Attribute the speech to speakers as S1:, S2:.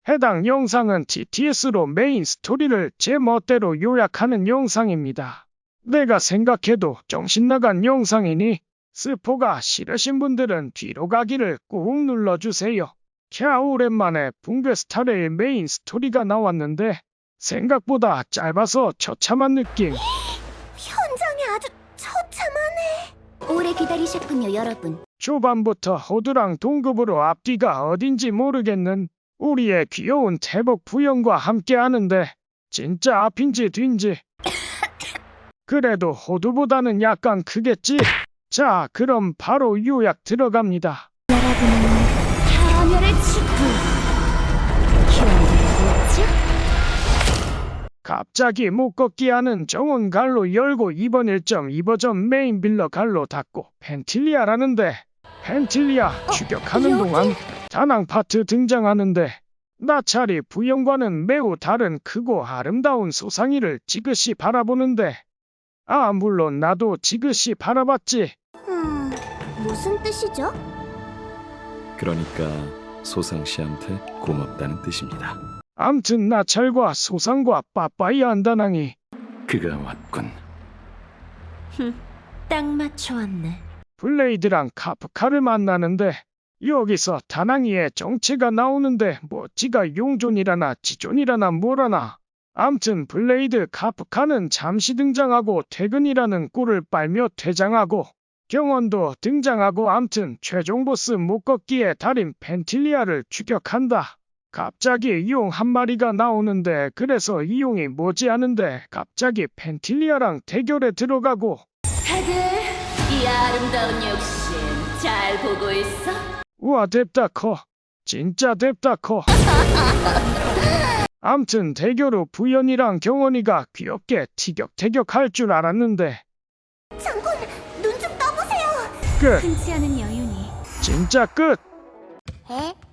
S1: 해당 영상은 TTS로 메인 스토리를 제 멋대로 요약하는 영상입니다. 내가 생각해도 정신나간 영상이니 스포가 싫으신 분들은 뒤로 가기를 꾹 눌러주세요. 오랜만에 붕괴 스타레일 메인 스토리가 나왔는데 생각보다 짧아서 처참한 느낌.
S2: 현장이 아주 처참하네. 오래 기다리셨군요, 여러분.
S1: 초반부터 호두랑 동급으로 앞뒤가 어딘지 모르겠는 우리의 귀여운 태복 부영과 함께 하는데 진짜 앞인지 뒤인지 그래도 호두보다는 약간 크겠지? 자, 그럼 바로 요약 들어갑니다.
S2: 여러분은 파멸의 치부 기억나겠죠?
S1: 갑자기 못 걷게 하는 정원 갈로 열고 이번 1.2버전 메인 빌러 갈로 닫고 펜틸리아라는데 펜틸리아 추격하는
S2: 여기?
S1: 동안 다낭 파트 등장하는데 나찰이 부영과는 매우 다른 크고 아름다운 소상이를 지그시 바라보는데 물론 나도 지그시 바라봤지.
S2: 무슨 뜻이죠?
S3: 그러니까 소상 씨한테 고맙다는 뜻입니다.
S1: 암튼 나찰과 소상과 빠빠이 안다낭이
S3: 그가 왔군.
S2: 딱 맞춰왔네.
S1: 블레이드랑 카프카를 만나는데 여기서 다낭이의 정체가 나오는데 뭐 지가 용존이라나 지존이라나 뭐라나 암튼 블레이드 카프카는 잠시 등장하고 퇴근이라는 꿀을 빨며 퇴장하고 경원도 등장하고 암튼 최종 보스 못 걷기의 달인 펜틸리아를 추격한다. 갑자기 이용 한 마리가 나오는데 그래서 이용이 뭐지 하는데 갑자기 펜틸리아랑 대결에 들어가고
S4: 다들 이 아름다운 욕심 잘 보고 있어?
S1: 우와 뎁다 커. 진짜 뎁다 커. 암튼 대결 후 부연이랑 경원이가 귀엽게 티격태격 할 줄 알았는데
S2: 장군, 눈 좀 떠보세요.
S1: 끝.
S2: 흔치 않은 여윤이.
S1: 진짜 끝.